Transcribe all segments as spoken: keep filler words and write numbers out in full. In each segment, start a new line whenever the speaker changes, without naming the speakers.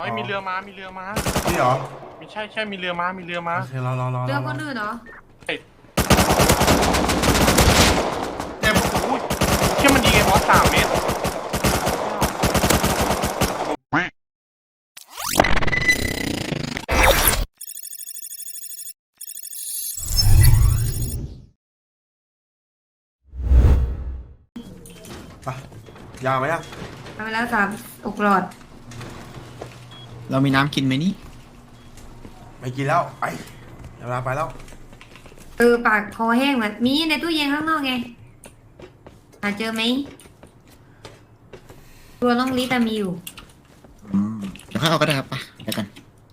เฮ้ยมีเรือมามีเรือมา
นี่เหรอ
ไม่ใช่ใช่มีเรือมามีเรือมา
โอเครอรอรอ
เรือคนอื่นเหรอ
เจ็บอุ้ยเชื่อมันยิงไอ้บอสสามเมตร
ไปยาวไหมอ่ะ
ทำไปแล้วสามอกหลอด
เรามีน้ำกินไหมนี่
ไม่กินแล้วไปเวลาไปแล้ว
เออปากคอแห้งเหมือนมีในตู้เย็นข้างนอกไงหาเจอไหมตัวน้องลิตามีอยู่
เดี๋ยวค่อยเอาก็ได้ครับไปเดี๋ยวกัน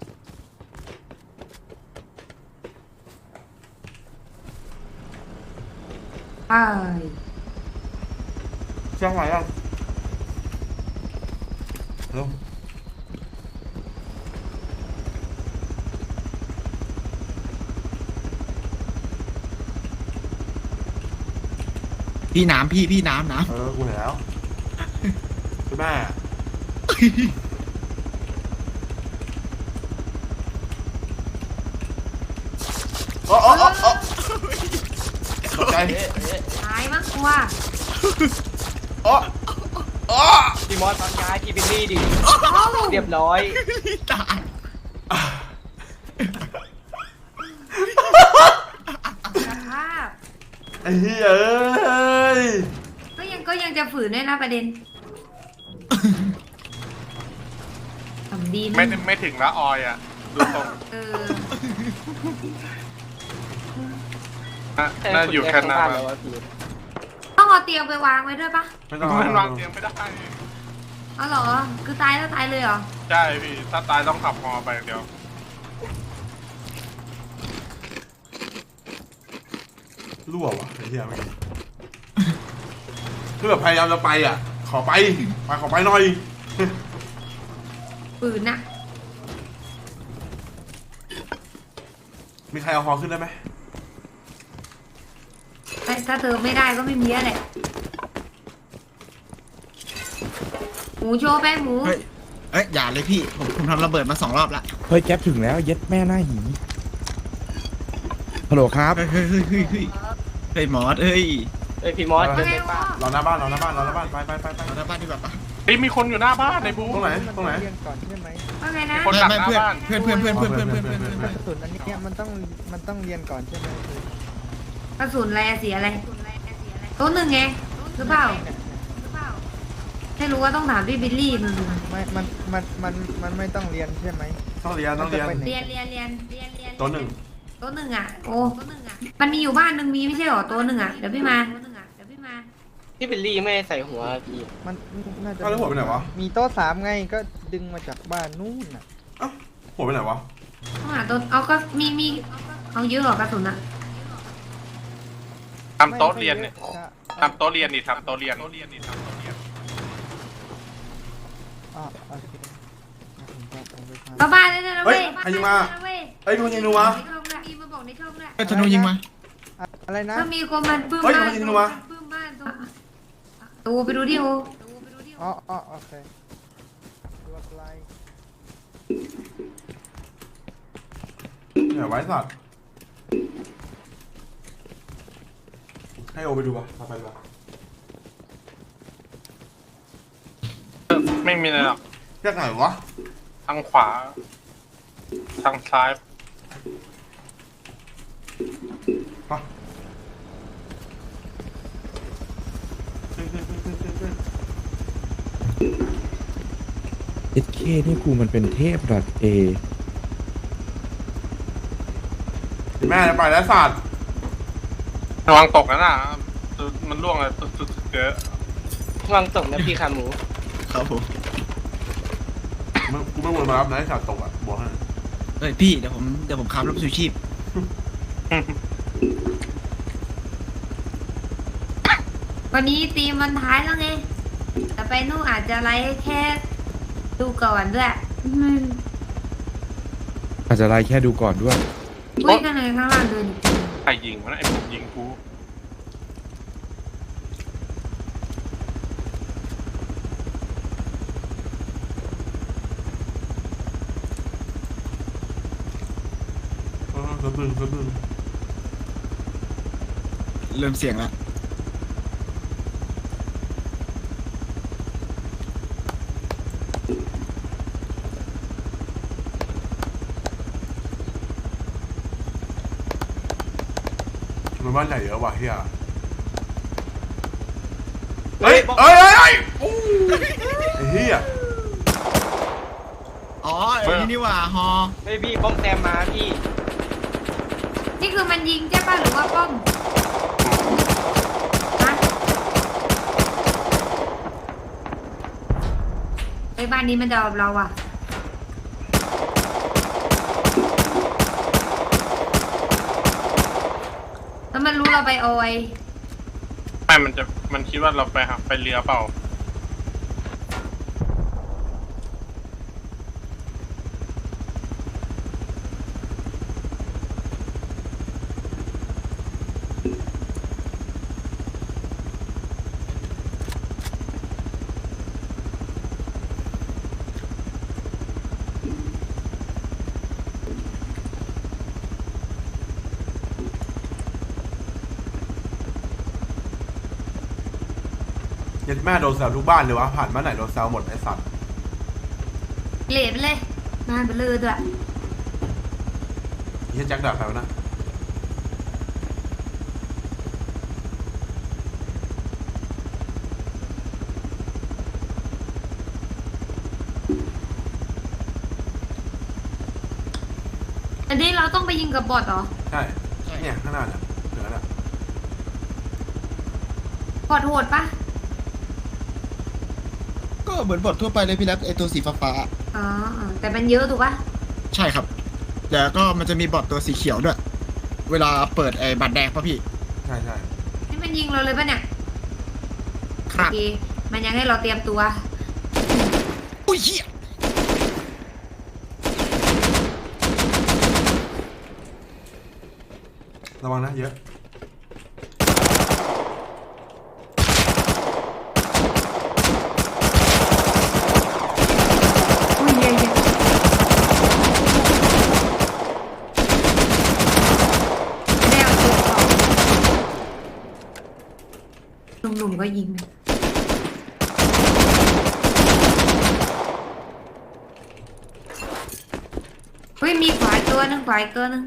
ไป
เชียงใหม่ยังลง
พี่น้ำพี่พี่น้ำน้
เออกูเห็นแล้วคุณแม่โอ้โอ้โอ้โอ้ตกใจ
ตายมั้งกว่า
โอ้โอ้
พี่มอสตอนย้ายพี่บิลลี่ดิเรียบร้อย
ตาย
สภาพ
ไอ้เหี้ยเอ้ย
ก็ยังก็ยังจะฝืนด้วยนะประเด็นทำดี
ไม่ไม่ถึงละออยอ่ะดูตรง
เออ
น่าอยู่แค่หน้า
ต้องเอาเตียงไปวางไว้ด้วยปะ
ไม่ต้อง
มันวางเตียงไม่ได้
อ๋อเหรอคือตายแล้วตายเลยเหรอ
ใช่พี่ถ้าตายต้องขับฮอไปเดียว
รั่วว่ะไอ้เหี้ยไม่คือแบบพยายามจะไปอ่ะขอไปไปขอไปหน่อย
ฝืนน่ะ
มีใครเอาฮอขึ้นได้ไหม
ถ้าเธอไม่ได้ก็ไม่มีอะไรหมูโชว์ไปหมู
เฮ้ยเอ้ยอย่าเลยพี่ผมผมทำระเบิดมาสองรอบละ
เฮ้ยแก๊ปถึงแล้วเย็ดแม่หน้าหีฮัลโหลครับ
เฮ้ยเฮ้ยเฮ้ยเฮ้ยเฮ้ยเฮ้ยมอสเฮ้ย
เอ้ยพี่มอสเดินไปป่ะ
รอหน้าบ้านรอหน้าบ้านรอหน้าบ้านไปไปไปไป
เราหน้าบ้านดีกว่าปะ
เฮ้ยมีคนอยู่หน้าบ้านในบู
ตรงไหนตรงไหน
ก่อนใช่ไหม
ว่าไงนะ
คนหลังหน้าบ้าน
เพื่อนเพื่อนเพื่อนเพื่อนเพื่อนเพื่อนเพื่อนเพื่อนเพื่อน
กระสุนอันนี้มันต้องมันต้องเรียนก่อนใช่ไหม
กระสุนอะไรเสียอะไรตัวหนึ่งไงหรือเปล่าให้รู้ว่าต้องถามพี่บิลลี่มึง
ไม่มันมันมันมันไม่ต้องเรียนใช่ไหม
ต้องเรียนต้องเรียน
เรียนเรียนเรียนเรียนเรียน
ตัวหนึ่ง
ตัวหนึ่งอ่ะโอ้ตัวหนึ่งอ่ะมันมีอยู่บ้านหนึ่งมีไม่ใช่หรอตัวหนึ่งอ่ะเดี๋ยวพี่มาตัวหนึ่งอ่ะเดี๋ยวพี่มา
พี่บิลลี่ไม่ใส่หัวพี่
มันน่าจะ
แล้วหัวไปไหนวะ
มีโต๊ะสามไงก็ดึงมาจากบ้านนู่นน่ะ
เอ้าหัวไปไหนวะ
ต้องหาตัวเอาก็มีมีเอาเยอะหรอกระสุนอ่ะ
ทำโต๊ะเรียนเนี่ยทำโต๊ะเรียนนี่ทำโต๊ะเรียนโต๊ะเรียนนี่ทำโต๊ะเรียน
เข้าบ้านได้เลยนะเว้ย
ใครยิงมาเฮ้ยดูยิงดูวะ
มีมาบอกในช่องด้วย
เฮ้ยธนูยิงมา
อะไรนะ
ถ้ามีคนมันปื้มบ้านปื้มบ้านตูไปดูดิโอ
อ๋ออ๋อโอเคตัวไกล
เนี่ยไว้สัตว์ให้โอไปดูป่ะมาไปป่ะ
ไม่มีอะไรหรอก
แค่ไหนวะ
ทางขวาทางซ้าย
ฮะ
เอ็ดเคนี่กูมันเป็นเทพดัดเอ
แม่จะไปแล้วสัตว์
ระวังตกนะน่ะมันล่วงเลยตุ๊ดๆเยอะ
วางตกนะพี่ขาหมู
ครับผม
กูไม่วนมารับนะไอ้สัตว์ตกอ่ะบอกให้
เฮ้ยพี่เดี๋ยวผมเดี๋ยวผมขับรถชูชีพ
วันนี้ตีมวันท้ายแล้วไงแต่ไปนู่นอาจจะไลฟ์แค่ดูก่อนด้วย
อาจจะไล่แค่ดูก่อนด้วย
คุยกันเลยข้างล่างเดิน
ใครยิงวะไอ้ผมยิงกู
แป๊บนึงแป๊บนึง
เริ่มเสียงแล้ว
มันบ้านใหญ่เยอะว่ะเฮียเฮ้ยเฮ้ยเฮ้ยเฮ้ยอู้ไอ้เฮีย
อ๋อไอ้นี่นี่หว่าฮอ
เฮ้ยพี่ป้อมแซมมาพี่
นี่คือมันยิงใช่ป่ะหรือว่าป้อมฮะไอ้บ้านนี้มันจะเอาเราอ่ะแล้วมันรู้เราไปโอย
ไม่มันจะมันคิดว่าเราไปหาไปเรือเปล่า
ยัดแม่โดนแซวทุกบ้านเลยวะผ่านบ้านไหนโดนแซวหมดไอ้สัตว์
เหลวไปเลยงานไปเลยด้วย
เฮียแจ็คด่าใครวะนะ
อันนี้เราต้องไปยิงกับบอทเหรอ
ใช่เนี่ยข้างหน้าเนี่ยเหลือแล้ว
บอทโหดปะ
ก็เหมือนบททั่วไปเลยพี่แรปไอตัวสีฟ้า
อ๋ออ๋อแต่มันเยอะถูกปะ
ๆใช่ครับแต่ก็มันจะมีบอทตัวสีเขียวด้วย เวลาเปิดไอ้บัตรแดงป่ะพี่
ใช่ใช่
นี่มันยิงเราเลยปะเนี่ย
ครับ
โอเคมันยังให้เราเตรียมตัว
อุ้ยเหี้ย
ระวังนะเยอะ
อุ้ยเยอะเยอะไม่ได้เอาตัวออกหนุ่มๆก็ยิงนะเฮ้ยมีขวายตัวหนึงขวายตัวหนึง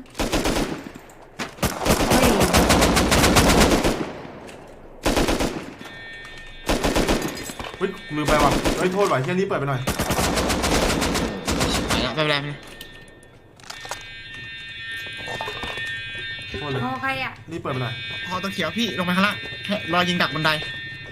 เฮ้ย
เฮ้ยลืมไปว่ะเฮ้ยโทษว่ะเฮียรีบเปิดไปหน่อย
ไปแล้วไปแล้วไปแล้ว
โทษเลย
พอใครอ่ะ
รีบเปิดไปหน่อย
พอตัวเขียวพี่ลงไปข้างล่างแค่รอยิงดักบันได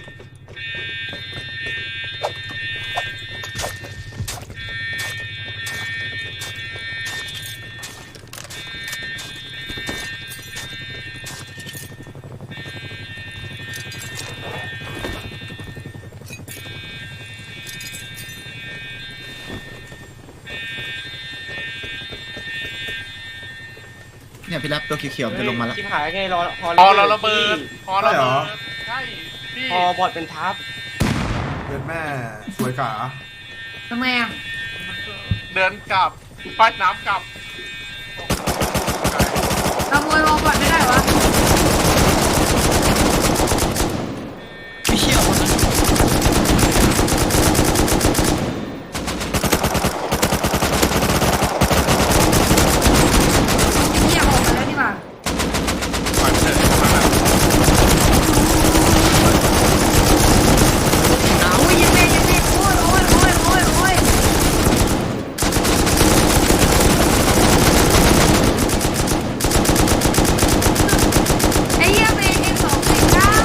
เนี่ยพี่แรปตัวเขียวๆมันจะลงมาแล้ว
ชิบหายไงรอพอ
พอเราระเบิดพอระเบิดใช่พี่
พอบอดเป็นทับ
เย็ดแม่สวยกา
ทำไมอ่ะ
เดินกลับป้ายน้ำกลับ
ขโมยวอลบอทไม่ได้วะ
ไม่เชี่ยวคนนั้น
เนี่ยออกมาแล้วนี่หว่า
ปล่อยเถอะมาแล้ว
โอ้ยยังไงยังไงโอ้ยโอ้ยโอ้ยโอ้ยโอ้ยไอ้เหี้ยเมย์เอ็มสองสี่เก้า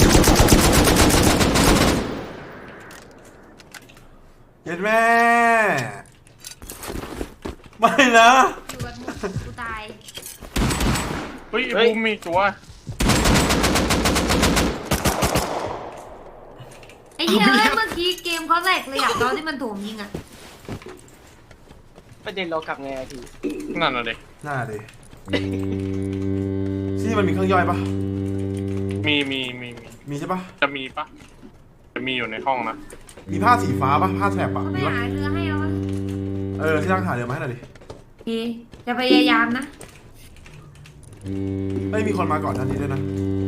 เย็ดแม่ไม่นะ
อยู่กันหมดกูตาย
เฮ้ยไอ้บูมมีตัว
ไอ้เหี้ยเอ้ยเมื่อกี้เกมเขาแหลกเลยอ่ะตอนที่มันโถมยิงอ่ะ
ประเด็นเรากลับไงอะพี่
นั่นน่ะเด็ก
หน้าดิที่นี่มันมีเครื่องย่อยปะ
มีมีมีมี
มีใช่ปะ
จะมีปะจะมีอยู่ในห้องนะ
มีผ้าสีฟ้าปะผ้าแถบปะ
เขา
มี
ไม่
ปะ
หาเรือให้แล้ววะ
เออที่ร่างถ่ายเรือมาให้หน่อยดิ
โอเคจะพยายามนะ
โไม่มีคนมาก่อนหน้านี้ด้วยนะ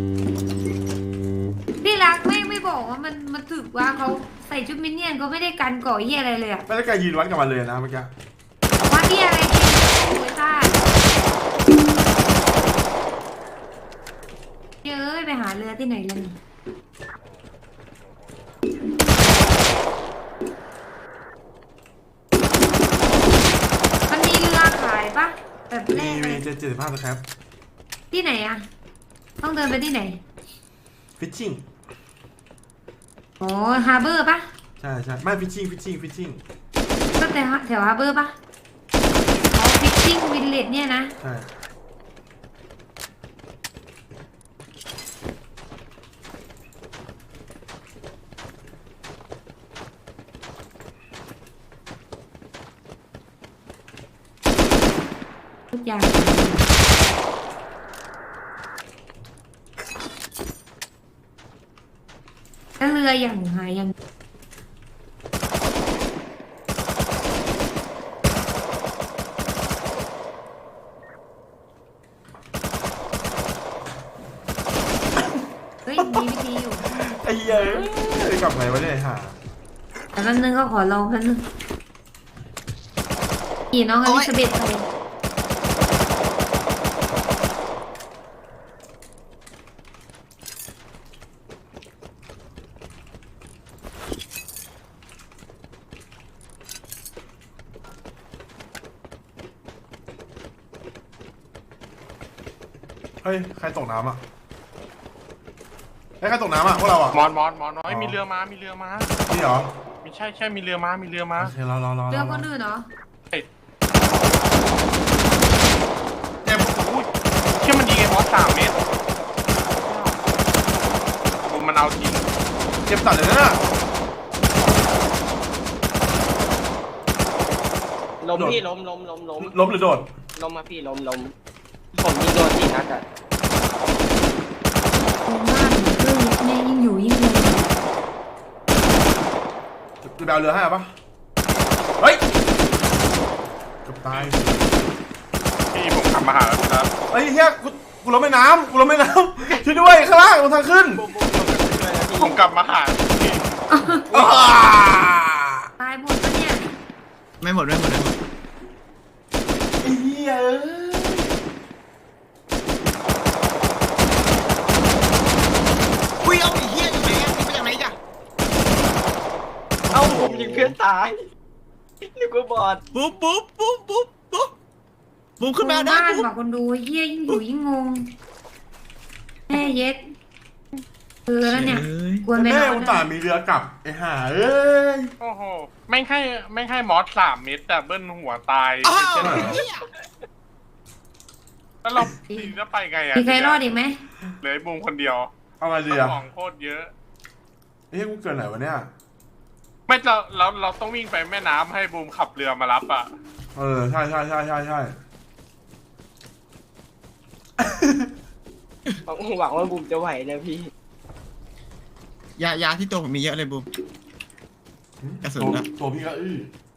พี่รักแม่งไม่บอกว่ามันมันถึกว่าเขาใส่ชุดมินเนี่ยนเขาไม่ได้กันก่อเหี้ยอะไรเลยอะ
ไม่ได้แกยืนวัดกับมันเลยนะเมื่อกี้
ว่าเหี้ยอะไรกินโอ้ยซ่าเย้ยไปหาเรือที่ไหนล่ะนี่มันมีเรือขายปะแบบแร
มี
กเล
มี
ย
เจ็ดเจ็ดสิบห้าสครับ
ที่ไหนอะต้องเดินไปที่ไหน
ฟิชชิ่ง
อ๋อฮาร์เบอร์ปะ
ใช่ใช่ไม่ฟิชชิ่งฟิชชิ่งฟิชชิ่ง
ก็แต่แถวฮาร์เบอร์ปะอ๋อฟิชชิ่งวิลเลจเนี่ยนะ
ใช่
ทุกอย่างแล้วเรืออย่างหายยังเฮ้ยมีวิธีอยู่
ไอ้เหี้ยเอ้ยกลับไหนวะเนี่ยหา
แต่แป๊บนึงก็ขอลองแป๊บนึงขี่น้องอลิซาเบธไป
เฮ้ยใครตกน้ำอ่ะเฮ้ยใครตกน้ำอ่ะพวกเราอ่ะ
มอนมอนมอนน้อยมีเรือมามีเรือมา
นี่เหรอ
มีใช่ใช่มีเรือมามีเรือมา
โอเครอรอรอ
เรือ
ร
ค
อน
อื่นเหรอ
เจ็บโอ้ยเชื่อมันยิงไอ้บอสสามเมตรดูมันเอาจริง
เจ็บสัตว์เลยนะ
ล้มพี่ล้มล้มล้มล้ม
ล้มหรือโดด
ล้มมาพี่ล้มล้มผมยิงโดนสี่นัดอะ
โอ้มากเหมือนเครื่องแม่ยิ่งอยู่ยิ่งเลย
จะไปเอาเรือให้ปะเฮ้ยเกือบตาย
พี่ผมขับมาหาแล้วครับ
เฮ้ยเฮียกูกูล้มแม่น้ำกูล้มแม่น้ำช่วยด้วยข้างล่างตรงทางขึ้น
ผมกลับมาหาพี่
อ้า
ตายหมดปะเนี่ย
ไม่หมดไม่หมดไม่หมด
ไอ้เหี้ยเอ้ย
อุ้ยเอาไอ้เหี้ยอยู่ไหนอ่ะนี่มาจากไหนจ้ะ
เอ้าผมยิงเพื่อนตายนึกว่าบอด
ปุ๊บปุ๊บปุ๊บปุ๊บปุ๊บปุ๊บขึ้นมาได้
บ้าน
ปุ๊บ
บอกคนดูเฮียยิ่งอยู่ยิ่งงงแม่เย็ดคือแล้วเนี่ยควรไป
แม่
นอน
อุตส่าห์มีเรือกลับไอ้ห่าเอ้ย
โอ้โหไม่ให้ไม่ให้มอสสามเมตรแต่เบิ้ลหัวตาย
อ้าว
เจ็บ
เหี้ย
แล้วเราทีนี้จะไปไงอะ
มีใครรอดอีกไหม
เหลือไอ้บูมคนเดียว
เอามาเรือ
ของโคตรเยอะ
เฮ้ยกูเกิดไหนวะเนี่ย
ไม่เราเราเราต้องวิ่งไปแม่น้ำให้บูมขับเรือมารับอ่ะ
เออใช่ใช่ใช่ใช่ใช่
หวังว่าบุมจะไหวนะพี่
ยายาที่ตัวผมมีเยอะเลยบูม กระสุน
ตัว
อะ
ตัวพี่ก็อื้อ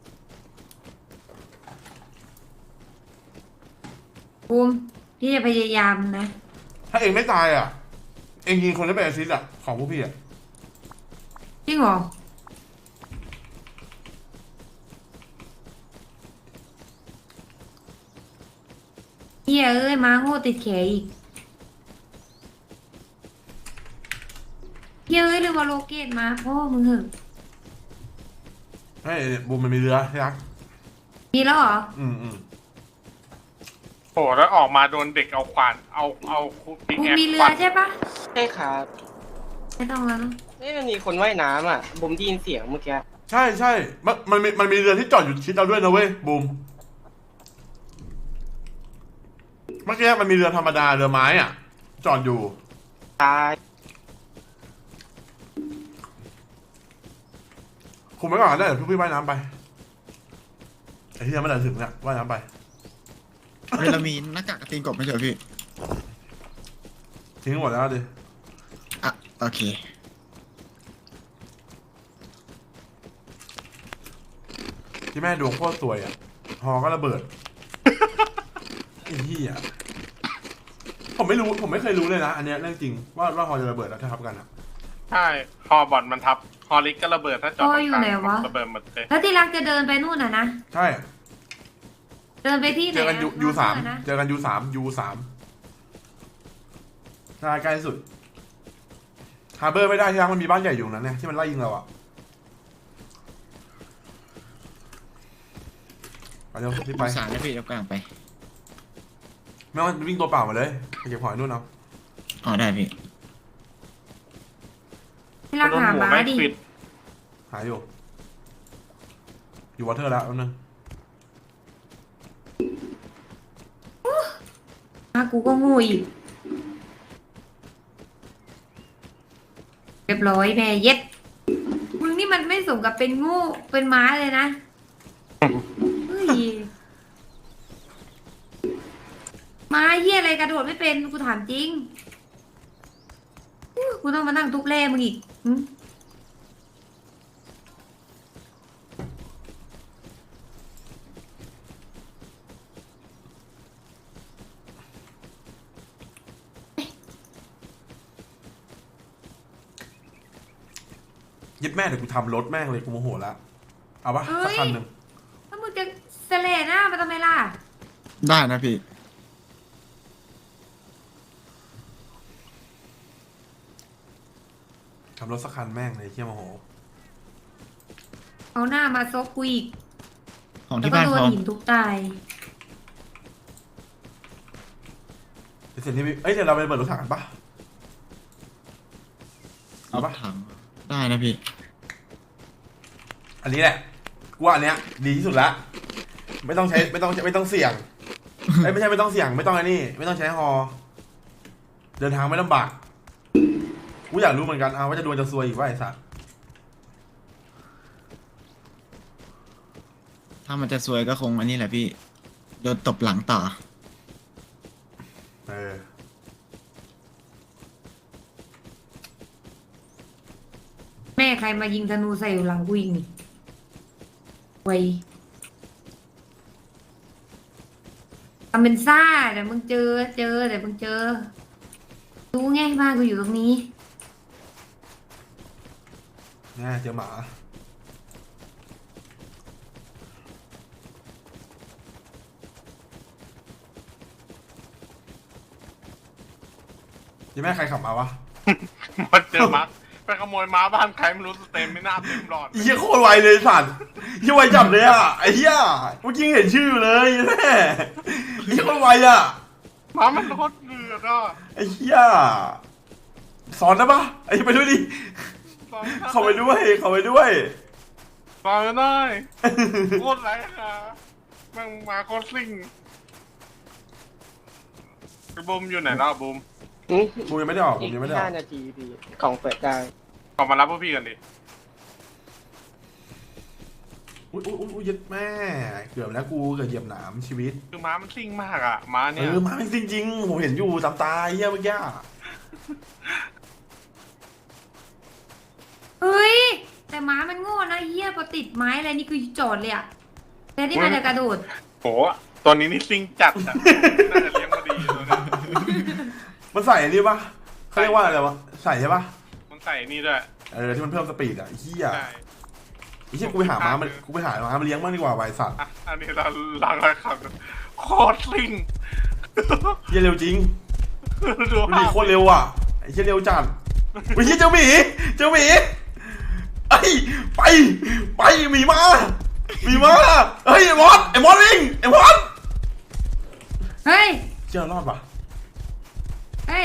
ภูมิพี่จะพยายามนะ
ถ้าเองไม่ตายอ่ะ เองยิงคนที่เป็นแอสซิสต์อ่ะของพวกพี่อ่ะ
จริงเหรอเฮียเอ้ยมาโง่ติดแขนอีกเฮียเอ้ยลืมเอาโลเกตมาพ่อมึงเหอะ
เฮ้ยบูมมันมีเรือที่รัก
มีแล้วเหรอ
อืมอืม
โอ้แล้วออกมาโดนเด็กเอาขวานเอาเอาปิก
ภูมิ
แอค
มีเรื
ฟั
อน ใช่ปะ
ใช่ครับ
ไม่ต้องแล้วเนอะ
เอ้ยมันมีคนว่ายน้ำอ่ะบุมได้ยินเสียงเมื่อกี้
ใช่ใช่มันมันมีมันมีเรือที่จอดอยู่ชิดเราด้วยนะเว้ยบูมเมื่อกี้มันมีเรือธรรมดาเรือไม้อ่ะ จอดอยู่
ตาย
คุมไว้ก่อนได้เดี๋ยวพี่ว่ายน้ำไปไอ้ที่ยังไม่ได้ถึงเนี่ยว่ายน้ำไป
เฮ้ยเรามีหน้ากากกระตีนกบไม่ใช่เหรอพี่
ทิ้งหมดแล้วดิ
อ่ะโอเค
ที่แม่ดวงโคตรสวยอ่ะฮอก็ระเบิด ไอ้เหี้ยผมไม่รู้ผมไม่เคยรู้เลยนะ อันเนี้ยเรื่องจริงว่าว่าฮอจะระเบิดแล้วถ้าทับกันอะ
ใช่ฮอบอดมันทับฮอลิกก็ระเบิดถ้าจอดตรงกลางระเบิดหมดเลย
แล้วที่รักจะเดินไปนู่นน่ะนะ
ใช่
เดินไปที่ไหน
เจอกันยูยูสาม
นะ
เจอกันยูสามยูสามใช่ใกล้ที่สุดฮาร์เบอร์ไม่ได้ที่รักมันมีบ้านใหญ่อยู่ตรงนั้นเนี่ยที่มันไล่ยิงเราอะไปเร็วรีบไป
สารนะพี่เดี๋ยวกลางไป
ไม่ต้องวิ่งตัวเปล่ามาเลยไปเก็บหอยนู่นเอา
อ๋อได้พี่
ที่รัก
โดน
หา
หัว
ม้า
ไม่
ดิ
ปิด
หายอยู่อยู่วอเทอร์แล้วแป๊บนึง
ม้ากูก็งูอีกเรียบร้อยแม่เย็ดมึงนี่มันไม่สมกับเป็นงูเป็นม้าเลยนะเฮ้ยม้าเหี้ยอะไรกระโดดไม่เป็นกูถามจริงอู้กูต้องมานั่งทุบแร่มึงอีกหึ
ยึดแม่เดี๋ยวกูทำรถแม่งเลยกูโมโหละเอาปะสักคันหนึ่ง
แล้วมึงจะเสลหน้ามาทำไมล่ะ
ได้นะพี่
ทำรถสักคันแม่งเลยเที่ยโมโห
เอาหน้ามาซบกูอีก
ของ
แล้ว
ที่
ก็
บ้าน
โดน
เขา
หินทุบตาย
เดี๋ยวเสร็จที่เอ้ยเดี๋ยวเราไปเปิดรถถังกันปะเอาปะ
ถังได้นะพี่
อันนี้แหละกูว่าอันเนี้ยดีที่สุดละไม่ต้องใช้ไม่ต้องไม่ต้องเสี่ยงเอ้ยไม่ใช่ไม่ต้องเสี่ยงไม่ต้องไอ้นี่ ไม่ต้องใช้ฮอ เดินทางไม่ลำบากกูอยากรู้เหมือนกันเอาว่าจะดวงจะซวยอีกว่าไอ้สัส
ถ้ามันจะซวยก็คงอันนี้แหละพี่โดนตบหลังต่อ
เออ
แม่ใครมายิงธนูใส่อยู่หลังกูอีกนี่ไวทำเป็นซ่าเดี๋ยวมึงเจอเจอเดี๋ยวมึงเจอรู้ไงบ้านกูอยู่ตรงนี้
เนี่ยเจอหมายังแม่ใครขับมาวะ
มาเจอมาไปขโมยม้าบ้านใครไม่รู้สเต็มไม่น่าเต็มหลอด
ไอ้เหี้ยโคตรไวเลยสัตว์เหี้ยไวจับเลยอ่ะไอ้เหี้ยเมื่อกี้เห็นชื่อเลยแม่ไอ้เหี้ยโคตรไวอ่ะ
ม้ามันโคตรเดือดอ่ะ
ไอ้เหี้ยสอนได้ปะไอ้ไปด้วยดิเข้าไปด้วยเข้าไปด้วย
ฟังไม่ได้โคตรไรค่ะแม่งมาโคตรซิ่งไอ้บูมอยู่ไหนเนาะบูม
อืม
กูยังไม่ได้ออกกู
อีก
ยังไม่ได้ออ
ห้าก นาทีพี่ของเปิดได้
ออกมารับพวกพี่กันดิ
อุ้ยอุ้ยอุ้ยยึดแม่เกือบแล้วกูเกือบเหยียบหนามชีวิต
คือม้ามันซิ่งมากอ่ะม้า
เอ
เนี่ย
อมาจริงๆผมเห็นอยู่ตามตาไอ้เหี้ยเมื่อกี้
เฮ้ยแต่ม้ามันโง่นะเฮียพอติดไม้อะไรนี่คือจอดเลยอะแต่ที่มันจะกระโดด
โหตัวนี้นี่ซิ่งจัดอ่ะน่าจะเลี้ยงมาดีตัวนี้
มันใส่อันนี้ปะเขาเรียกว่าอะไรวะใส่ใช่ปะ
มันใส่นี่ด้วย
เออที่มันเพิ่มสปีดอ่ะไอ้เหี้ย
ใช่
ไอ้เหี้ยกูไปหาม้ามันกูไปหาม้ามาเลี้ยงมากดีกว่าไวสัตว์
อ่ะอันนี้เราล้างรอยขับโคตรซิ่ง
เหี้ยเร็วจริง
ดู
ดู
ภา
ดิ
พ
โคตรเร็วอ่ะไอ้เหี้ยเร็วจัดไอ้เหี้ยเจ้าหมีเจ้าหมีไอ้ไปไปหมีมาหมีมาเฮ้ยไอ้มอสไอ้มอสวิ่งไอ้มอส
เฮ้ย
เจ้ารอดปะ
เฮ้ย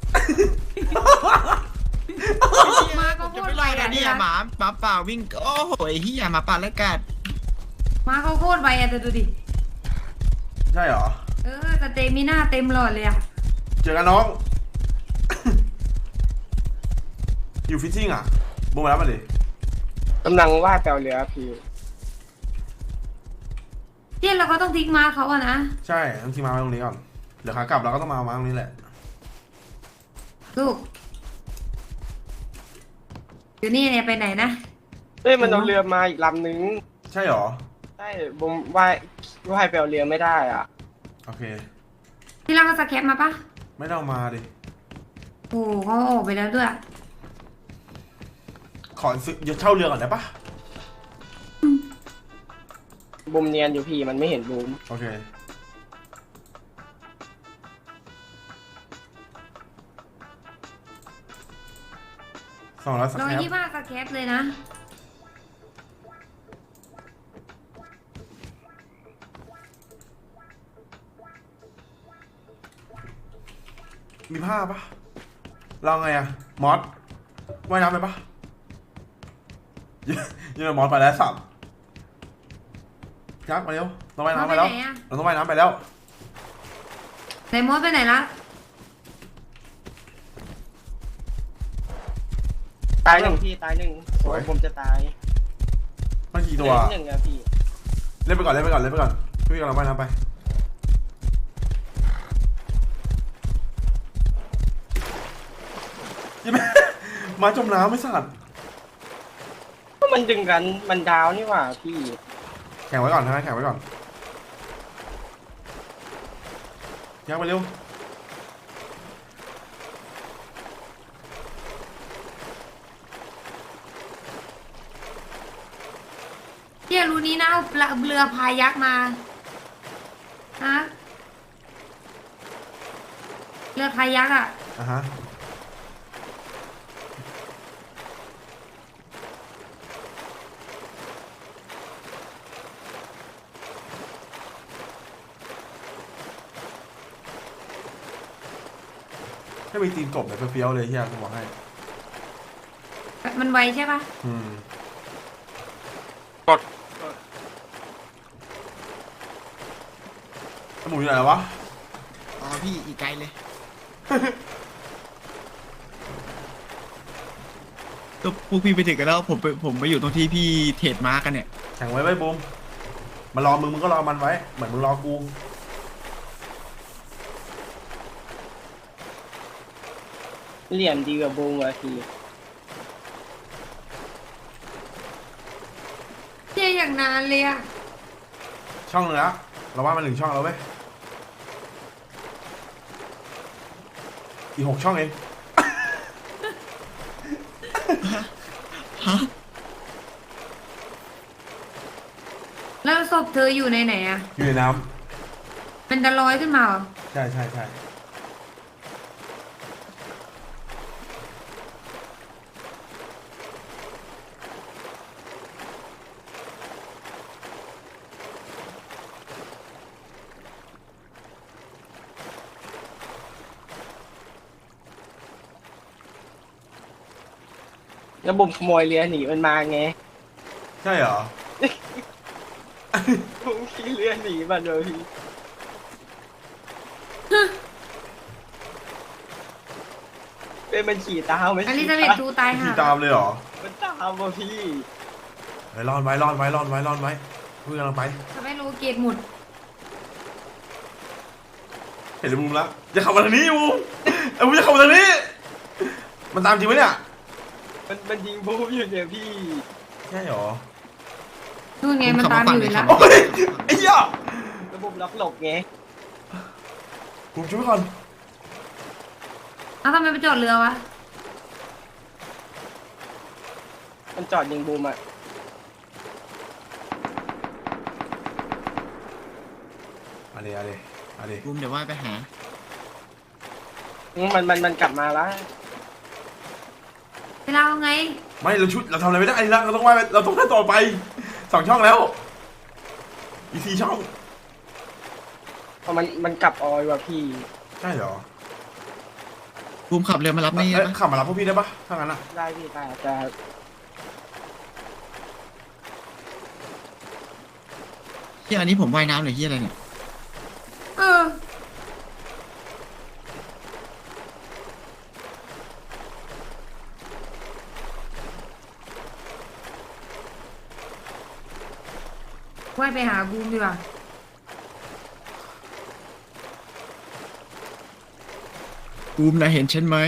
ม้าก็โค
จะ
ต
ไป
ร
ไล่
ไว
กั
อะ
นเนี่
ที่
ย
รัก
หมาหมาป่าวิ่งโอ้โหไอ้เหี้ยหมาป่าและกัด
ม้าเขาโคตรไวอะแต่ดูดิ
ใช่เหรอ
เออสเตมิน่าเต็มหลอดเลยอะ
เจอกันน้อง อยู่ฟิชชิ่งอ่ะบูมมาแล้วมาดิ
กำลังว่าดแปลเรือพี่
เที่ยเราก็ต้องทิ้งม้าเขาอะนะ
ใช่ต้องทิ้งมาไว้ตรงนี้ก่อนเดี๋ยวขากลับเราก็ต้องมาเอามาตรงนี้แหละ
ลูกอยู่นี่เนี่ยไปไหนนะ
เอ้ยมันเอาเรือมาอีกลำนึง
ใช่เหรอ
ใช่ผมว่ายว่ายแปลเรือไม่ได้อ่ะ
โอเค
ที่รักก็สแคปมาปะ
ไม่ต้องมาดิ
โอ้โหเขาออกไปแล้วด้วย
ขอซื้อเดี๋ยวเช่าเรือก่อนได้ปะ
บูมเนียนอยู่พี่มันไม่เห็นบูม
โอเคสองร้อยสัก
ร้อย
แคป
ยี่สิบห้าสแคปเลยนะ
มีผ้าปะเราไงอะมอสว่ายน้ำไปปะ ยืนมอสไปแล้วสับยักษ์มาเร็วเราว่ายน้ำไปแล้ว
มอสไปไหนอะ
เราต้องว่ายน้ำไปแล้ว
ไหนมดไปไหนละ
ตายหนึ่งพี่ตายหนึ่งโอ้ยผมจะตาย
มันกี่
เห
ตั
ลื
ว
อหนึ่งอะพี่
เล่นไปก่อนเล่นไปก่อนเล่นไปก่อนพี่กำลังว่ายน้ำไปยังไม่ มาจมน้ำไม่สัตว์
ก็มันดึงกันมันดาวนี่หว่าพี่
แข่งไว้ก่อนนะแข่งไว้ก่อนยักษ์ไปเร็ว
เที่ยรู้นี้นะเอาเรือพายักษ์มาฮะเรือพายักษ์อ่ะ
อ่ะฮะให้มีตีนกบแบบเฟี้ยวๆเลยเฮียกูบอกให้
มันไวใช่ปะ
อืม
กด
แล้วหมูอยู่ไหนวะ
อ๋อพี่อีกไกลเลย ก็พวกพี่ไปถึงกันแล้วผมไปผมไปอยู่ตรงที่พี่เทรดมาร์กกันเนี่ย
แข่งไว้ไว้บูมมารอมึงมึงก็รอมันไว้ เหมือนมึงรอกู
เหลี่ยมดีกว่าบูมอะพี่
เที่ยอย่างนานเลยอ่ะ
ช่องนึงแล้วเราว่ามันหนึ่งช่องแล้วเว้ย อีกหกช่องเอง
ฮะ
แล้วศพเธออยู่ในไหนอ่ะ
อยู่ในน้
มันจะลอยขึ้นมาเหรอ
ำใช่ใช่ใช่
แล้วบูมขโมยเรือหนีมันมาไง
ใช่เหรอ
บูมขี่เรือหนีมาเลยพี่เป็นมันขี่ตามไม่
อ
ใช่
ลิซาเบธทูตาย
ขี่
ห่า
ตามเลยเหรอ
มันตามว่ะพี่
เฮ้ยรอดไว้รอดไว้รอดไว้รอดไว้เพื่อนกำลังไป
ทำไมรู้เกตหมุด
เห็นเลยบูมแล้วอย่าขับมาทางนี้บูมไอ้บูมอย่าขับมาทางนี้ มันตามจริงไหมเนี่ย
มันมันยิงบูมอยู่เนี่ยพี่
ใช่เหรอ
นู่นไงมันตามอยู่แล้ว
โอ้ยไอ้เหี้ย
แล้วบูมล็อกหลบไง
บูมช่วยก่อน
เอ้าทำไมไปจอดเรือวะ
มันจอดยิงบูมอะ
อะไรอะไรอะไร
บูมเดี๋ยวว่าไปหา
อืมมันมันมันกลับมาแล้ว
เวลาเอาไง
ไม่เราชุดเราทำอะไรไม่ได้แล้วเราต้องว่าเราต้องเล่นต่อไปสองช่องแล้วอีกสี่ช่อง
พอมันมันกลับออยว่ะพี่
ใช่เหรอ
บูมขับเรือมารับนี่
เอ้ย
นะ
ขับมารับพวกพี่ได้ปะถ้างั้นอะ
ได้พี่แต่จะ
เฮียอันนี้ผมว่ายน้ำหรือเฮียอะไรเนี่ย
เออ ว่ายไปหาบูมดีกว่า
บูมนะเห็นฉันไหม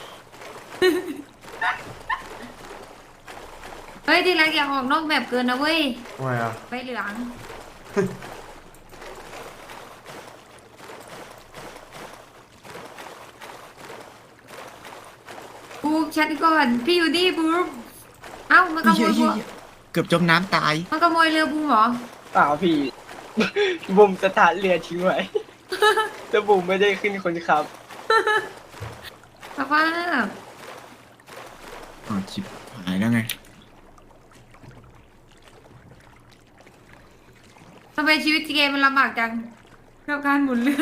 เฮ้ยที่รักอย่าออกนอกแบบเกินนะเว้ย
ทำไมอะ
ไปเหลือง
เ
บูมชัดก่อนพี่อยู่นี่บูมเอ้ามันขโม
เฮ้
ย
ย
บัว
เฮ้ยเกือบจมน้ำตาย
มันขโมยเรือบูมเหรอ
เปล่าพี่ บุมสถานเรือทิ้งไว้ แต่บุมไม่ได้ขึ้นคนขับ
สภาพ
อ๋อชิบหายแล้วไง
ทำไมชีวิตเกมมันลำบากจังกับการหมุนเรือ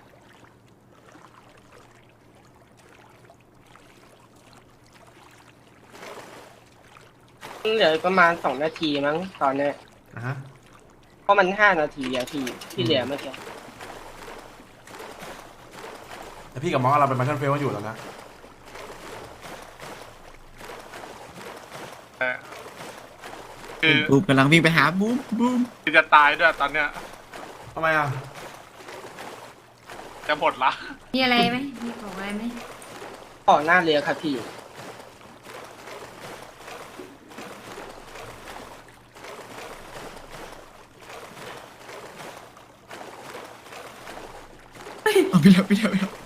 เหลือประมาณสองนาทีมั้งตอนเนี้ย
นะฮะ
เพราะมันห้านาทีอะพี่ที่เหลือเมื่อกี้
แต่พี่กับมอสเราเป็นมาเคิลเฟลอยู่แล้วนะ
คือ
บูมกำลังวิ่งไปหาบูมบูม
คือจะตายด้วยตอนเนี้ย
ทำไมอ่ะ
จะหมดละ
มีอะไรไหมมีของอะไรไหม
ออกหน้าเรือครับพี่
เอาพี่เดียวพี่เดียวพี่เดียว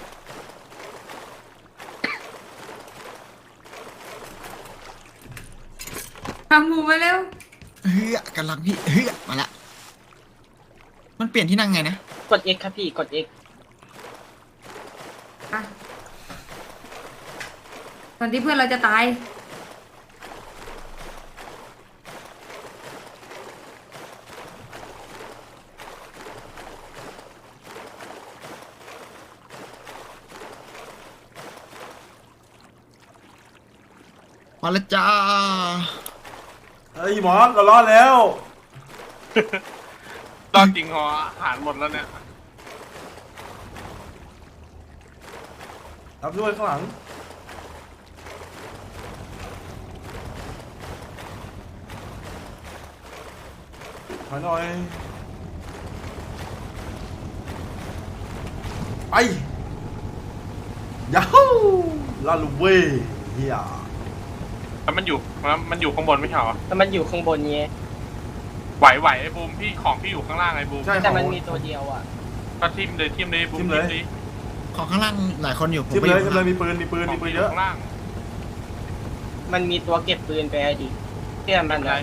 ทำหมูมาเร็ว
เฮ้ยกำลังพี่เฮ้ยมาละ มันเปลี่ยนที่นั่งไงนะ
กด X ครับพี่กด X
อ่ะตอนที่เพื่อนเราจะตาย
มาและจ้า
เฮ้ยมอสเรารอดแล้ว
ตอนจริงหออาหารหมดแล้วเนี่ย
รับด้วยข้างหลังถอยหน่อยไปยาฮูลาลูเว่เฮีย
แล้วมันอยู่มันมันอยู่ข้างบนไม่ใช่เหรอ
แล้วมันอยู่ข้างบนเนี้ย
ไหวไหวไอ้บูมพี่ของพี่อยู่ข้างล่างไอ้บูม
ใช่
แต่มันมีตัวเดียวอ่ะ
ก็ทิมเลยทิมเลยบูม
ทิ่
ทิ
ม
ม
เลย
ดิ
ของข้างล่างหลายคนอยู่ผม
ทิม
ไป
เล
อย ยู่
ทิม
ข้าง
เลย
ล่าง
มีปืนมีปืน
ขอ
มี
ง
ปืน
พี่อ
เย
ยู่
อะ
ข้างล่าง
มันมีตัวเก็บปืนไปอะดิเชื่อมัน
อะไร
นะ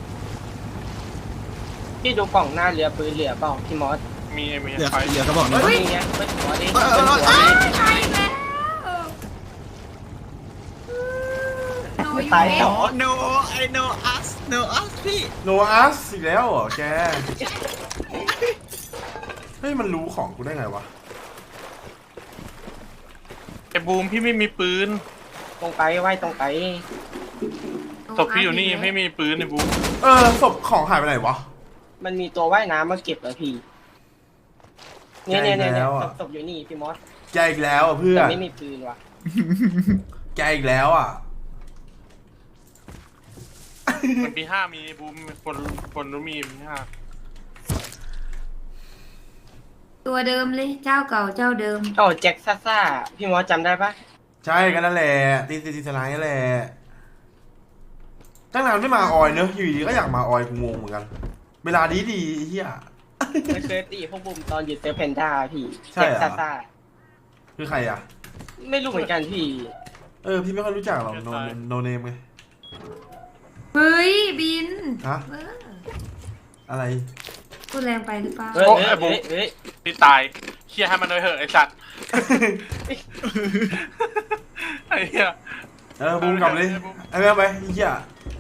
พี่ดูกล่องหน้าเรือปืนเหลือเปล่าพี่มอส
มีไอ้มี
เหลือ
ไฟ
เหลือกระบอกหนึง
นี่ไงเปิดหัวดิ
เออเออเออ
เปิดหัวดิ
ตายแล้วโน
ตาย
ยู
ต่อ
โน I know us know us พี่
โนอาสอีกแล้วเหรอแก เฮ้ยมันรู้ของกูได้ไงวะ
ไอ้บูมพี่ไม่มีปืน
ตรงไปไว้ตรงไป
ศพพี่อยู่นี่ไม่มีปืนไอ้บูม
เออศพของหายไปไหนวะ
มันมีตัวว่ายน้ำมาเก็บเหรอพี่เนี่ยเนี่ยเนี่ย
แล้
เนี่ยว
อะ
ศพอยู่นี่พี่มอส
แกอีกแล้วอ่ะเพื่อ
แต่
น
ไม่มีปืนว่ะ
แกอีกแล้วอ่ะ
มันปีห้ามีบูมคนคนรู้มีปีห้า
ตัวเดิมเลยเจ้าเก่าเจ้าเดิม
โอ้แจ็คซ่าซ่าพี่มอสจำได้ปะ
ใช่กันนั่นแหละตีตีตีสไลด์นั่นแหละตั้งนานไม่มาออยเนอะอยู่ดีก็อยากมาออยกูงงเหมือนกัน เวลาดีดีๆไอ้เฮีย
ไม่เคยตีพวกบุมตอนอยู่เซอร์เพนด้าพี่
ใช่
แจ็ค
เหรอ
ซ่าซ่า
คือใครอ่ะ
ไม่รู้เหมือนกันพี่
เออพี่ไม่ค่อยรู้จักหรอกโนโนเนมไง
เฮ้ยบิน
ฮะ
เออ
อะไร
พูดแรงไปหรือเปล่า
เฮ้ยเฮ้ยเฮ้ยเฮ้ย
พี่ตายเคลียร์ให้มันเลยเหอะไอ้สัตว์ ไอ้เหี้ย
เออบูมกลับเลยไอ้แม่ไปไอ้เฮีย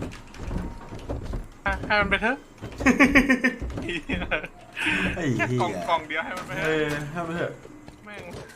ให้มันไปเถอะ
ไอ้
แค่
เฮี
กล่อง
ย
กล่องเดียวให้มันไปเถ
เอ
อะ
อให้มันเถอะ
แม่ง